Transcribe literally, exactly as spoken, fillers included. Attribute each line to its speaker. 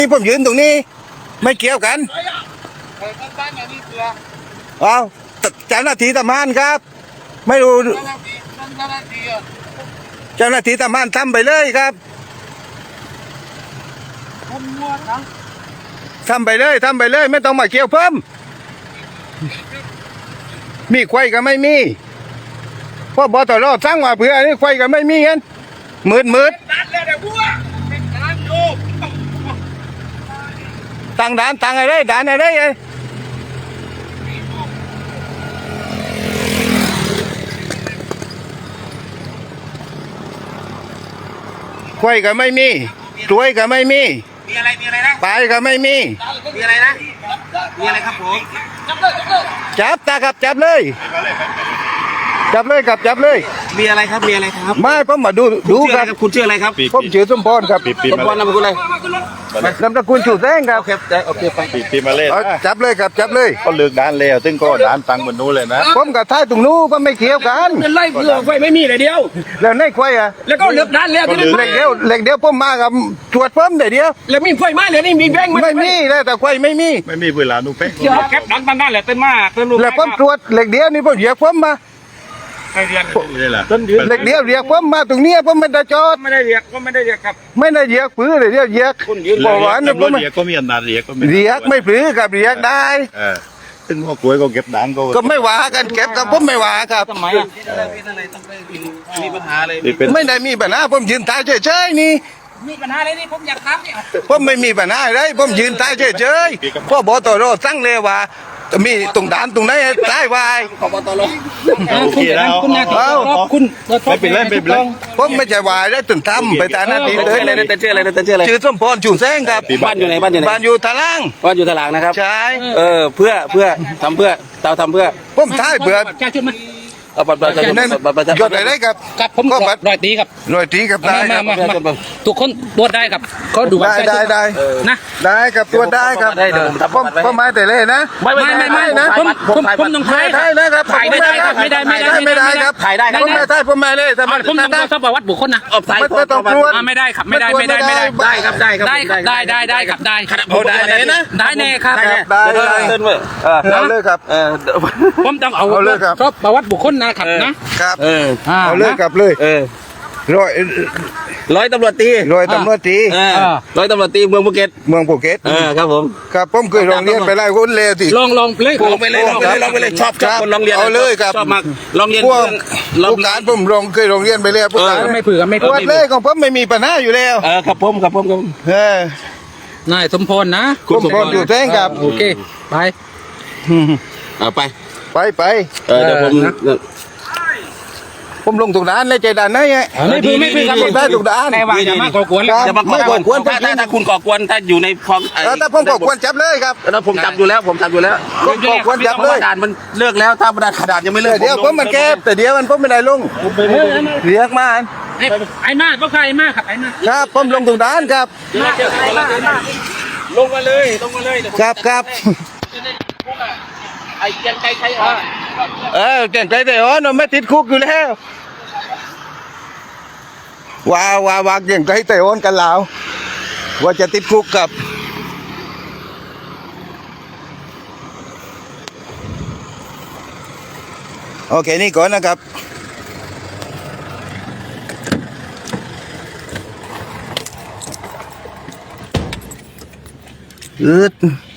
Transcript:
Speaker 1: นี่ผมยืนตรงนี้ไม่เกี่ยวกันเอาเจ้าหน้าที่ทำงานครับไม่รู้เจ้าหน้าที่ทำงานทำไปเลยครับทำไปเลยทำไปเลยไม่ต้องมาเกี่ยวเพิ่มมีควายก็ไม่มีเพราะบอตรอสร้างมาเพื่อนี่ควายก็ไม่มีเงี้ยมืดมืดต่างด่านต่างอะไรด่านอะไรไอ้ควายก็ไม่มีกล้วยก็ไม่มี
Speaker 2: มีอะไรมีอะไรนะ
Speaker 1: ปลายก็ไม่มี
Speaker 2: มีอะไรนะมีอะไรครับผม
Speaker 1: จับตาครับจับเลยจับเลยครับจับเลย
Speaker 2: มีอะไรครับมีอะไรครับ
Speaker 1: ไม่ผมมาดูดูครับ
Speaker 2: คุณชื่ออะไรครับ
Speaker 1: ผมชื่อสมพรครับ
Speaker 2: สมพรนามสกุลอะไร
Speaker 1: นามสกุลชูแสงครับ
Speaker 2: โอเคโอเคไป
Speaker 3: ปีปีมาเล่น
Speaker 1: จับเลยครับจับเลย
Speaker 3: ก็เลือกด้านแล้วซึ่งก็ด้านตังเหมือนนู้นเลยนะ
Speaker 1: ผมกับท้ายตรงนู้นก็ไม่เกี่ยวกัน
Speaker 2: เป็นไรเพื่อไฟไม่มีเลยเดียว
Speaker 1: แล้วในควายอ่ะ
Speaker 2: แล้วก็เลือกด้านแล้วที่นั่น
Speaker 1: เหล็กเดียวเหล็กเดียวผมมากับตรวจเพิ่มเดียว
Speaker 2: แล้วมีไฟไหมเลยนี่มีแบงค์
Speaker 1: ไม่มีเลยแต่ควายไม่มี
Speaker 3: ไม่มีเวลาดูเป๊ะ
Speaker 2: แคปดันด้านแหละเต้นมาเต้นลูก
Speaker 1: แล้วผมตรวจเหล็กเดียวนี่ผมเหยียบผมมา
Speaker 2: ไม่เรียก
Speaker 3: นี่แหละ
Speaker 1: เหล็กเดียวเหยียบผมมาตรงนี้ผมไม่ได้จอด
Speaker 2: ไม่ได้เรียกก็ไม่ได้เรียกครับ
Speaker 1: ไม่ได้เหยียบปื้อเลยเดียวเหยียบ
Speaker 3: บอกว่าเนี่ยผมเรียกก็มีอำนาจเรียกก็ไม่
Speaker 1: เรียกไม่ปื้อกับเรียกได้
Speaker 3: ซึ่งพวกกล้วยก็เก็บด่างก็
Speaker 1: ก็ไม่ว่ากันเก็บกับผมไม่ว่าครับ
Speaker 2: ทำไมอ่ะมีปัญหาเลย
Speaker 1: ไม่ได้มีปัญหาผมยืนตายเฉยๆนี่
Speaker 2: มีปัญหาอะไรนี่ผมอยากถามเนี่ย
Speaker 1: ผมไม่มีปัญหาอะไรผมยืนตายเฉยๆพ่อบอตรสั่งเลยว่ามีตรงด่านตรงไหนตายวาย
Speaker 2: ขอบตร
Speaker 3: คุณ
Speaker 2: คุณนะคุณ
Speaker 3: ไม่เป็นไรไม่เป็นไร
Speaker 1: ผมไม่ใช่วายได้ถึงทำไปตามหน้าที่เลย
Speaker 2: เลยแต่เชื่ออะไรแต่เชื่ออะไร
Speaker 1: ชื่อสมพรชูแสงครับ
Speaker 2: บ้านอยู่ไหนบ้านอยู่ไหน
Speaker 1: บ้านอยู่ทะลัง
Speaker 2: บ้านอยู่ทะลังนะครับ
Speaker 1: ใช่
Speaker 2: เออเพื่อเพื่อทำเพื่อเราทำเพื่อ
Speaker 1: ผมท้ายเบื่อ
Speaker 2: แก้ชุดมาเอาบัตรประชาชนบัตรประชาชน
Speaker 1: ยอดอะไรครับ
Speaker 2: กับผมก็รอยตีครับ
Speaker 1: รอยตีครับได้
Speaker 2: มามามาทุกคนตรวจได้ครับเขาดู
Speaker 1: ได้ได้ได้
Speaker 2: นะ
Speaker 1: ได้ครับตรวจได้ครับผมผมไม่แต่เล่นะ
Speaker 2: ไม่ไม่ไม่ไม่นะผมผมผมต้องถ่าย
Speaker 1: ถ่ายนะครับ
Speaker 2: ถ่ายไม่ได้ครับไม่ได้ไม่ได้
Speaker 1: ไม่ได้ครับ
Speaker 2: ถ่ายได้
Speaker 1: ผมไม่ได้ผมไม่เลยแต่
Speaker 2: ผมต้องทราบประวัติบุคคลนะ
Speaker 1: ไม่ต้องตรวจ
Speaker 2: ไม่ได้ครับไม่ได้ไม่ได้ไม่ได้ได้ครับได้ครับได้ได้ได้ได้ครับได้
Speaker 1: ได้เลยนะ
Speaker 2: ได้แน่ครับ
Speaker 1: ได้ได้เอาเลยครับ
Speaker 2: ผมต้องเอาครบประวัติบุคคลนะครับนะครับ
Speaker 1: เออเอาเลยกลับเลย
Speaker 2: เออ
Speaker 1: ร้อย
Speaker 2: ร้อยตำรวจตี
Speaker 1: ร้อยตำรวจตี
Speaker 2: ร้อยตำรวจตีเมืองภูเก็ต
Speaker 1: เมืองภูเก็ต
Speaker 2: เออครับผม
Speaker 1: ครับผมเคยลองเรียนไปไล่คนเลวสิ
Speaker 2: ลองลองเลยลองไปเลยลองไปเลยลองไปเลยชอบชอบคนลองเรียน
Speaker 1: เอาเลยครับ
Speaker 2: ชอบมากลองเรียน
Speaker 1: พวกผู้การผมลองเคยลองเรียนไปแล้วผู้การ
Speaker 2: ไม่เผื่อไม่
Speaker 1: ปวดเลยของผมไม่มีปัญหาอยู่แล้ว
Speaker 2: เออครับผมครับผมครับ
Speaker 1: เอ
Speaker 2: นายสมพรนะ
Speaker 1: สมพรอยู่แท้งครับ
Speaker 2: โอเคไปเอาไป
Speaker 1: ไปไป
Speaker 2: เออเดี๋ยวผม
Speaker 1: ผมลงถูกด่านเลยใจด่านไหนไง
Speaker 2: ไม่พื้นไม่พื้นครับ
Speaker 1: ได้ถูกด่าน
Speaker 2: แต่ว่าอย่ามาก่อกวนอย่ามาก่อกวนถ้าถ้าคุณก่อกวนถ้าอยู่ในคลอง
Speaker 1: ถ้าผมก่อกวนจับเลยครับ
Speaker 2: แล้วผมจับอยู่แล้วผมจับอยู่แล้ว
Speaker 1: ก่อกวนจับเลย
Speaker 2: ด่านมันเลิกแล้วถ้าด่านยังไม่เลิก
Speaker 1: เดี๋ยวผมมันแก้แต่เดี๋ยวมันผมไม่ได้ลงเรียกมา
Speaker 2: ไอ้มากก็ใครมากครับไอ้มาก
Speaker 1: ครับผมลงถูกด่านครับ
Speaker 2: ลงมาเลยลงมาเลย
Speaker 1: ครับครับ
Speaker 2: ไอ้เกียงไกใครอ่ะ
Speaker 1: เออเกียงไกแต่อ๋อเราไม่ติดคุกอยู่แล้วว้าวว้าวว้าเกียงไกแต่อ๋อกันแล้วว่าจะติดคุกกับโอเคนี่ก่อนนะครับอืด